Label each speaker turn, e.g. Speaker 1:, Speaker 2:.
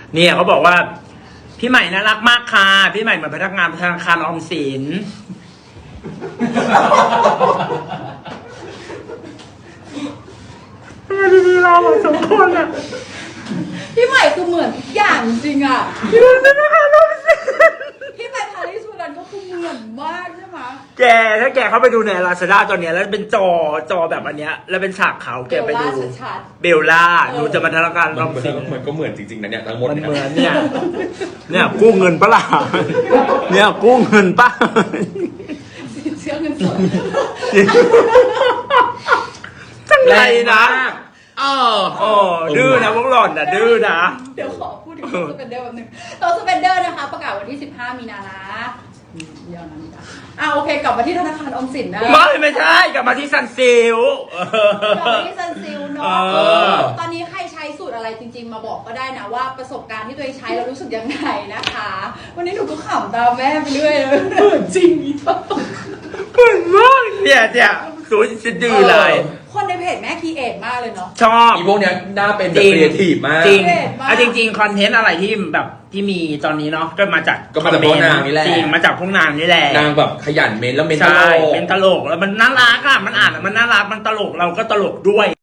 Speaker 1: เนี่ยเขาบอกว่าพี่ใหม่น่ารักมากค่ะพี่ใหม่เหมือนพนักงานธนาคารออมสินดีเราสองคนอ่ะ
Speaker 2: พี่ใหม่คือเหมือนทุกอย่างจริงอ่ะ
Speaker 1: พี่ใหม่ธนาคารออมสิน
Speaker 2: พี่ใหม่พาริสุรันก็คือเหมือนมากใช่ไหม
Speaker 1: แกถ้าแกเข้าไปดูใน Lazada ตอนเนี้ยแล้วเป็นจอแบบอันเนี้ยแล้วเป็นฉากขาวแกไปดู
Speaker 2: ชัด
Speaker 1: เบลล่าหนูจะมาธนาคารออมสิน
Speaker 3: มันก็เหมือนจริงๆนะเนี่ยทั้งหมด
Speaker 1: มัน
Speaker 3: เนี่ย
Speaker 1: เหมือนเนี่ยกู้เงินปะล่ะเนี่ยกู้เงินปะ
Speaker 2: ๆเชื่อเงินสด
Speaker 1: จังไรนะดื้อนะพวกหล่อนนะดื้อนะ
Speaker 2: เดี๋ยวขอพูดถึงตัวสเปนเดอร์แป๊บนึงตัวสเปนเดอร์นะคะประกาศวันที่ 15 มีนานะเดี๋ยวนั้นโอเคกลับมาที่ธนาคารออมสินนะ
Speaker 1: ไม่ใช่กลับมาที่ซันซิล
Speaker 2: กลับมาที่ซันซิลเนาะตอนนี้ใครใช้สูตรอะไรจริงๆมาบอกก็ได้นะว่าประสบการณ์ที่ตัวเองใช้แล้วรู้สึกยังไงนะคะ วันนี้หนูก็ขำตามแม่ไปเรื่อยเลยจริงอีก
Speaker 1: เหมือนมากเนี่ยสูจะดื้อเลย
Speaker 2: คนในเพจแม่คีเอทมากเลยเนาะ
Speaker 1: ชอบ
Speaker 3: อีพวกเนี้ยน่าเป็น
Speaker 1: จ
Speaker 3: แบบ
Speaker 1: ริง
Speaker 3: ครีเอทีฟมาก
Speaker 1: จริง
Speaker 2: เด็ดมาก
Speaker 1: จริงคอนเทนต์อะไรที่แบบที่มีตอนนี้เนาะก็มาจาก
Speaker 3: ก็มาจากพวกนางนี่แหละ
Speaker 1: จริงมาจากพวกนางนี่แหละ
Speaker 3: นางแบบขยันเมนแล้วเมนตล
Speaker 1: ใช่
Speaker 3: ก
Speaker 1: เป็นตลกแล้วมันน่ารักอ่ะมันอ่านมันน่ารักมันตลกเราก็ตลกด้วย